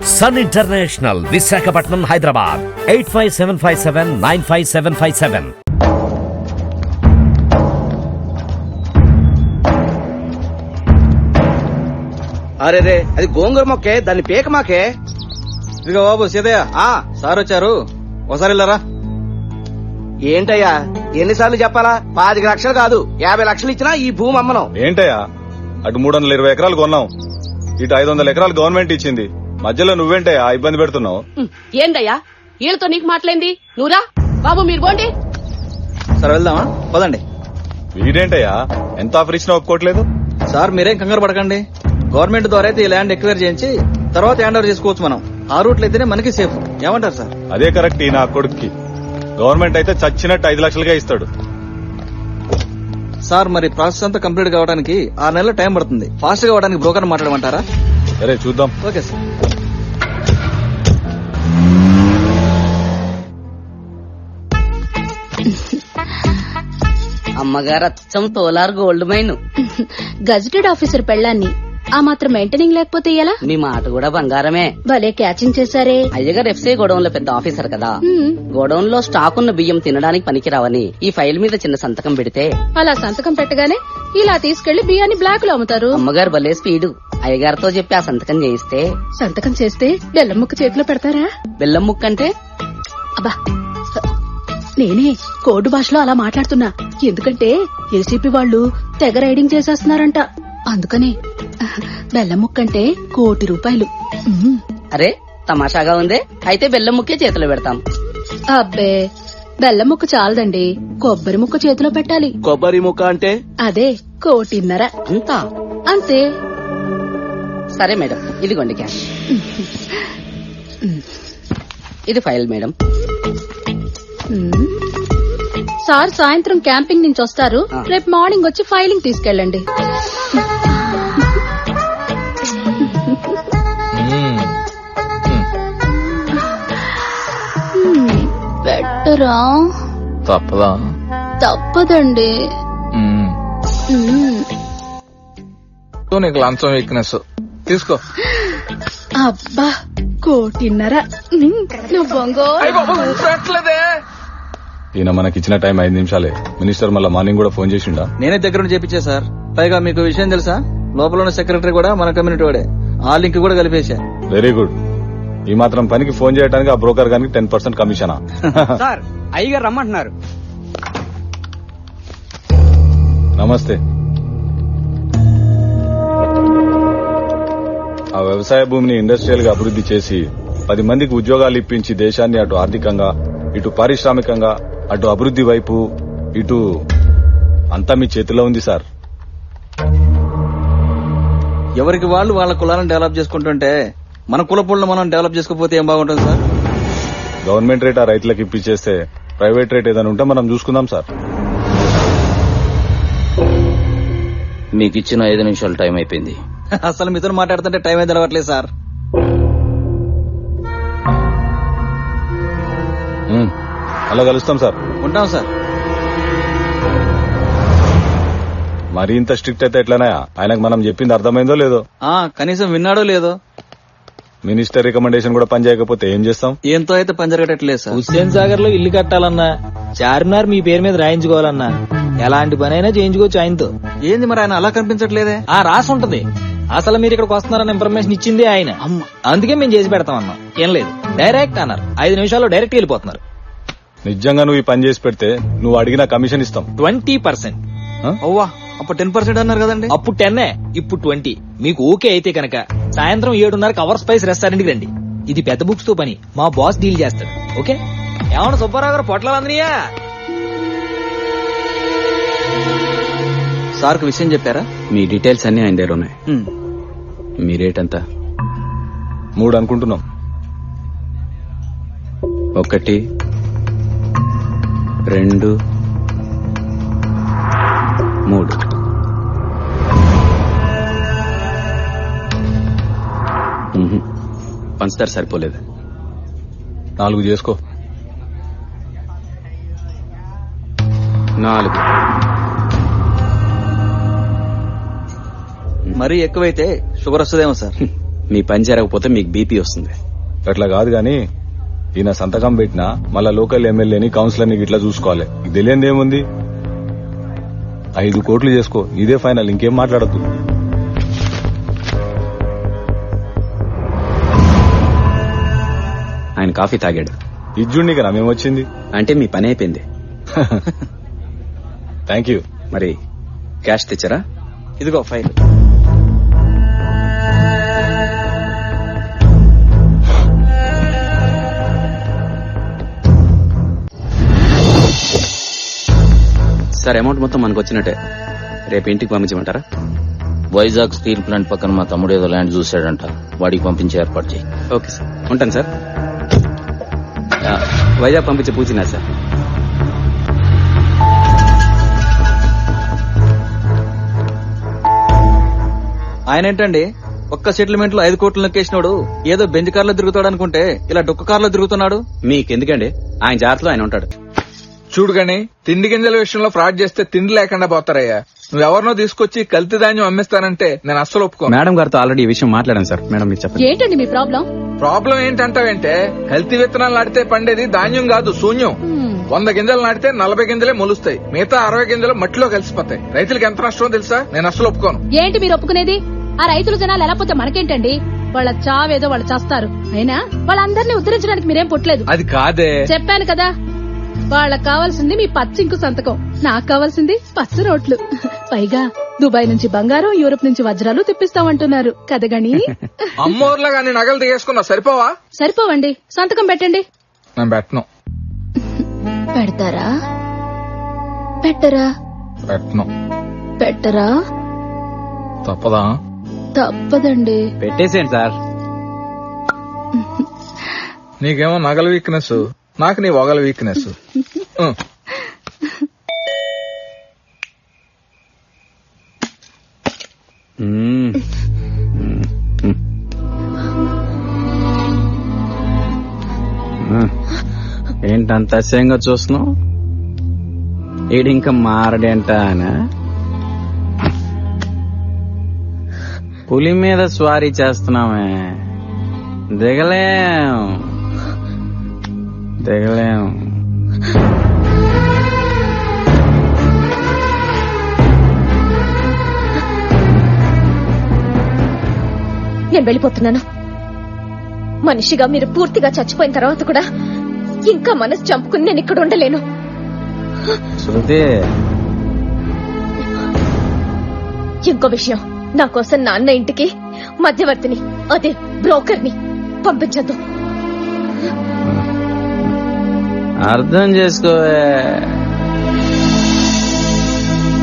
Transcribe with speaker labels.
Speaker 1: Sun international, Visakhapatnam, Hyderabad. 8575795757.
Speaker 2: అరే రే, అది గోంగూర మొక్కే, దాన్ని పీక మాకే.
Speaker 3: ఇదిగో బాబు సీతయ్య, సార్ వచ్చారు, ఒకసారి వెళ్ళారా?
Speaker 2: ఏంటయ్యా ఎన్నిసార్లు చెప్పాలా? 25 లక్షలు కాదు 50 లక్షలు ఇచ్చినా ఈ భూమి అమ్మను.
Speaker 4: ఏంటయ్యా, అటు 320 ఎకరాలు కొన్నాం, ఇటు 500 ఎకరాలు గవర్నమెంట్ ఇచ్చింది, మధ్యలో నువ్వేంటయ్యా ఇబ్బంది పెడుతున్నావు?
Speaker 5: ఏందయ్యా వీళ్ళతో నీకు మాట్లాడింది? నువ్వురా బాబు, మీరు పోండి.
Speaker 3: సరే వెళ్దామా, పదండి.
Speaker 4: వీడేంటయ్యా ఎంత ఆఫర్ ఇచ్చినా ఒప్పుకోవట్లేదు?
Speaker 3: సార్ మీరేం కంగారు పడకండి, గవర్నమెంట్ ద్వారా అయితే ఈ ల్యాండ్ ఎక్వైర్ చేయించి తర్వాత హ్యాండ్ ఓవర్ చేసుకోవచ్చు. మనం ఆ రూట్లో అయితేనే మనకి సేఫ్. ఏమంటారు సార్?
Speaker 4: అదే కరెక్ట్. ఈ నా కొడుక్కి గవర్నమెంట్ అయితే చచ్చినట్టు 5 లక్షలుగా ఇస్తాడు.
Speaker 3: సార్ మరి ప్రాసెస్ అంతా కంప్లీట్ కావడానికి 6 నెలల టైం పడుతుంది. ఫాస్ట్ గా అవడానికి బ్రోకర్ మాట్లాడమంటారా?
Speaker 4: సరే చూద్దాం.
Speaker 3: Okay sir.
Speaker 5: అమ్మగారు అచ్చం తోలార్ గోల్డ్ మైన్.
Speaker 6: గజెటెడ్ ఆఫీసర్ పెళ్ళాన్ని ఆ మాత్రం మెయింటైనింగ్ లేకపోతే ఎలా?
Speaker 5: మీ మాట కూడా బంగారమే.
Speaker 6: భలే క్యాచింగ్ చేశారే.
Speaker 5: అయ్యగారు ఎఫ్సీ గోడౌన్ లో పెద్ద ఆఫీసర్ కదా, గోడౌన్ లో స్టాక్ ఉన్న బియ్యం తినడానికి పనికిరావని ఈ ఫైల్ మీద చిన్న సంతకం పెడితే
Speaker 6: అలా సంతకం పెట్టగానే ఇలా తీసుకెళ్లి బియ్యాన్ని బ్లాక్ లో అమ్ముతారు.
Speaker 5: అమ్మగారు భలే స్పీడు. అయ్యగారితో చెప్పి ఆ సంతకం చేయిస్తే
Speaker 6: సంతకం చేస్తే బెల్లం ముక్క చేతిలో పెడతారా?
Speaker 5: బెల్లం ముక్క అంటే?
Speaker 6: అబ్బా, నేనే కోడ్ భాషలో అలా మాట్లాడుతున్నా. ఎందుకంటే ఏసీపీ వాళ్ళు తెగ రైడింగ్ చేసేస్తున్నారంట, అందుకనే బెల్లం ముక్క అంటే ₹1,00,00,000.
Speaker 5: అరే తమాషాగా ఉందే. అయితే బెల్లం ముక్కే చేతిలో పెడతాం.
Speaker 6: అబ్బే, బెల్లం ముక్క చాలదండి, కొబ్బరి ముక్క చేతిలో పెట్టాలి.
Speaker 2: కొబ్బరి ముక్క అంటే?
Speaker 6: అదే ₹1,50,00,000.
Speaker 5: అంతా
Speaker 6: అంతే.
Speaker 5: సరే మేడం, ఇదిగోండి క్యాష్. ఇది ఫైల్ మేడం.
Speaker 6: సార్ సాయంత్రం క్యాంపింగ్ నుంచి వస్తారు, రేపు మార్నింగ్ వచ్చి ఫైలింగ్ తీసుకెళ్ళండి. బెటరా?
Speaker 7: తప్పదా?
Speaker 6: తప్పదండి.
Speaker 7: నీకు లంచం వీక్నెస్ తీసుకో.
Speaker 6: అబ్బా, ₹1,50,00,000. నువ్వు
Speaker 7: పెట్టలేదే.
Speaker 4: ఈయన మనకిచ్చిన టైం 5 నిమిషాలే. మినిస్టర్ మళ్ళా మార్నింగ్ కూడా ఫోన్ చేసిండా?
Speaker 3: నేనే దగ్గర నుంచి చేపించా సార్. పైగా మీకు విషయం తెలుసా, లోపల ఉన్న సెక్రటరీ కూడా మన కమ్యూనిటీ వాడే. ఆ లింక్ కూడా కలిపేశా.
Speaker 4: Very good. ఈ మాత్రం పనికి ఫోన్ చేయడానికి ఆ బ్రోకర్ గానికి 10% కమిషనా?
Speaker 2: సార్ అయ్యగారు రమ్మంటున్నారు.
Speaker 4: నమస్తే. ఆ వ్యవసాయ భూమిని ఇండస్ట్రియల్ గా అభివృద్ధి చేసి 10 మందికి ఉద్యోగాలు ఇప్పించి దేశాన్ని అటు ఆర్థికంగా, ఇటు పారిశ్రామికంగా, అటు అభివృద్ధి వైపు, ఇటు అంతా మీ చేతిలో ఉంది సార్.
Speaker 3: ఎవరికి వాళ్ళు వాళ్ళ కులాలను డెవలప్ చేసుకుంటుంటే మన కులపులను మనం డెవలప్ చేసుకోకపోతే ఏం బాగుంటుంది సార్?
Speaker 4: గవర్నమెంట్ రేట్ ఆ రైతులకు ఇప్పించేస్తే ప్రైవేట్ రేట్ ఏదైనా ఉంటే మనం చూసుకుందాం సార్.
Speaker 8: మీకు ఇచ్చిన 5 నిమిషాలు టైం అయిపోయింది.
Speaker 3: అసలు మీతో మాట్లాడుతుంటే టైం అయితే తెలవట్లేదు సార్.
Speaker 4: అలా కలుస్తాం సార్.
Speaker 3: ఉంటాం సార్.
Speaker 4: మరీ ఇంత స్ట్రిక్ట్ అయితే ఎట్లనాయా? ఆయనకు మనం చెప్పింది అర్థమైందో లేదో?
Speaker 3: కనీసం విన్నాడో లేదో?
Speaker 4: మినిస్టర్ రికమెండేషన్ కూడా పని చేయకపోతే ఏం చేస్తాం?
Speaker 3: ఏంతో అయితే పని జరగట్లేదు సార్.
Speaker 9: హుస్సేన్ సాగర్ లో ఇల్లు కట్టాలన్నా, చార్మినార్ మీ పేరు మీద రాయించుకోవాలన్నా ఎలాంటి పనైనా చేయించుకోవచ్చు ఆయనతో.
Speaker 3: ఏంది మరి ఆయన అలా కనిపించట్లేదే?
Speaker 9: రాసి ఉంటది. అసలు మీరు ఇక్కడికి వస్తున్నారన్న ఇన్ఫర్మేషన్ ఇచ్చింది ఆయన. అందుకే మేము చేసి పెడతాం అన్నాం. ఏం లేదు, డైరెక్ట్ అన్నారు. 5 నిమిషాల్లో డైరెక్ట్ వెళ్ళిపోతున్నారు.
Speaker 4: నిజంగా నువ్వు ఈ పని చేసి పెడితే నువ్వు అడిగిన కమిషన్ ఇస్తాం.
Speaker 9: 20%.
Speaker 3: అవ్వా, అప్పుడు 10% అన్నారు కదండి.
Speaker 9: అప్పుడు 10, ఇప్పుడు 20. మీకు ఓకే అయితే కనుక సాయంత్రం 7:30కి అవర్ స్పైస్ రెస్టారెంట్ కి రండి. ఇది పెద్ద బుక్స్ తో పని, మా బాస్ డీల్ చేస్తాడు. ఓకే? ఏమన్నా సుబ్బారావు గారు పొట్లాలందరియా?
Speaker 3: సార్కు విషయం చెప్పారా?
Speaker 8: మీ డీటెయిల్స్ అన్ని ఆయన దగ్గర ఉన్నాయి. మీ రేట్ ఎంత?
Speaker 4: 3 అనుకుంటున్నాం.
Speaker 8: 1, 2, 3. పంచదార సరిపోలేదు.
Speaker 4: 4 చేసుకో.
Speaker 8: 4.
Speaker 3: మరీ ఎక్కువైతే షుగర్ వస్తుందేమో సార్.
Speaker 8: మీ పని జరగకపోతే మీకు బీపీ వస్తుంది.
Speaker 4: అట్లా కాదు గాని ఈయన సంతకం పెట్టినా మళ్ళా లోకల్ ఎమ్మెల్యేని కౌన్సిలర్ని ఇట్లా చూసుకోవాలి. ఇది తెలియంది ఏముంది? 5 కోట్లు చేసుకో, ఇదే ఫైనల్, ఇంకేం మాట్లాడద్దు.
Speaker 8: ఆయన కాఫీ తాగాడు
Speaker 4: ఇజ్జుండి కదా మేమొచ్చింది.
Speaker 8: అంటే మీ పని అయిపోయింది.
Speaker 4: Thank you.
Speaker 8: మరి క్యాష్ తెచ్చారా?
Speaker 3: ఇదిగో ఫైల్.
Speaker 8: సార్, అమౌంట్ మొత్తం మనకు వచ్చినట్టే. రేపు ఇంటికి పంపించమంటారా?
Speaker 10: వైజాగ్ స్టీల్ ప్లాంట్ పక్కన మా తమ్ముడు ఏదో ల్యాండ్ చూశాడంట, వాడికి పంపించే ఏర్పాటు చేయి.
Speaker 8: ఓకే సార్, ఉంటాను సార్. వైజాగ్ పంపించే పూచినా సార్.
Speaker 3: ఆయన ఏంటండి ఒక్క సెటిల్మెంట్ లో 5 కోట్లు నొక్కేసినాడు ఏదో బెంజ్ కార్లో తిరుగుతాడు అనుకుంటే ఇలా డొక్క కార్లో తిరుగుతున్నాడు.
Speaker 8: మీకెందుకండి, ఆయన జాగ్రత్తలో ఆయన ఉంటాడు.
Speaker 7: చూడు గాని తిండి గింజల విషయంలో ఫ్రాడ్ చేస్తే తిండి లేకుండా పోతారయ్యా. నువ్వెవరినో తీసుకొచ్చి కల్తీ ధాన్యం అమ్మిస్తానంటే నేను అస్సలు ఒప్పుకోను.
Speaker 8: మేడం గారితో ఆల్రెడీ ఈ విషయం మాట్లాడాను సార్. మేడం మీరు చెప్పండి.
Speaker 6: ఏంటండి మీ ప్రాబ్లం?
Speaker 7: ప్రాబ్లం ఏంటంటావేంటే, కల్తీ విత్తనాలు నాటితే పండేది ధాన్యం కాదు, శూన్యం. 100 గింజలు నాటితే 40 గింజలే మొలుస్తాయి, మిగతా 60 గింజలు మట్టిలో కలిసిపోతాయి. రైతులకు ఎంత నష్టమో తెలుసా? నేను అస్సలు ఒప్పుకోను.
Speaker 6: ఏంటి మీరు ఒప్పుకునేది? ఆ రైతులు జనాలు ఎలా పోతే మనకేంటండి? వాళ్ళ చావేదో వాళ్ళు చేస్తారు. అయినా వాళ్ళందరినీ ఉద్ధరించడానికి మీరేం పుట్టలేదు.
Speaker 7: అది కాదే.
Speaker 6: చెప్పాను కదా, వాళ్ళకి కావాల్సింది మీ పచ్చింకు సంతకం, నాకు కావాల్సింది పచ్చ రోట్లు. పైగా దుబాయ్ నుంచి బంగారం, యూరోప్ నుంచి వజ్రాలు తెప్పిస్తామంటున్నారు కదగని.
Speaker 7: అమ్మోర్లా గాని నగలు దిగేసుకున్నా సరిపోవా?
Speaker 6: సరిపోవండి, సంతకం పెట్టండి.
Speaker 7: నేను పెట్టను.
Speaker 6: పెడతారా? పెట్టరా?
Speaker 7: పెట్టను.
Speaker 6: పెట్టరా?
Speaker 7: తప్పదా?
Speaker 6: తప్పదండి.
Speaker 8: పెట్టేసేయండి సార్.
Speaker 7: నీకేమో నగల వీక్నెస్, నాకు నీ వగల వీక్నెస్.
Speaker 8: ఏంటంత అసహ్యంగా చూస్తున్నావు? ఈడు ఇంకా మారడేంట ఆయన? పులి మీద స్వారీ చేస్తున్నామే, దిగలేం దిగలేం.
Speaker 11: నేను వెళ్ళిపోతున్నాను. మనిషిగా మీరు పూర్తిగా చచ్చిపోయిన తర్వాత కూడా ఇంకా మనసు చంపుకుని నేను ఇక్కడ ఉండలేను.
Speaker 8: శృతి,
Speaker 11: ఇంకో విషయం, నా కోసం నాన్న ఇంటికి మధ్యవర్తిని, అదే బ్రోకర్ని పంపించద్దు.
Speaker 8: అర్థం చేసుకోవే.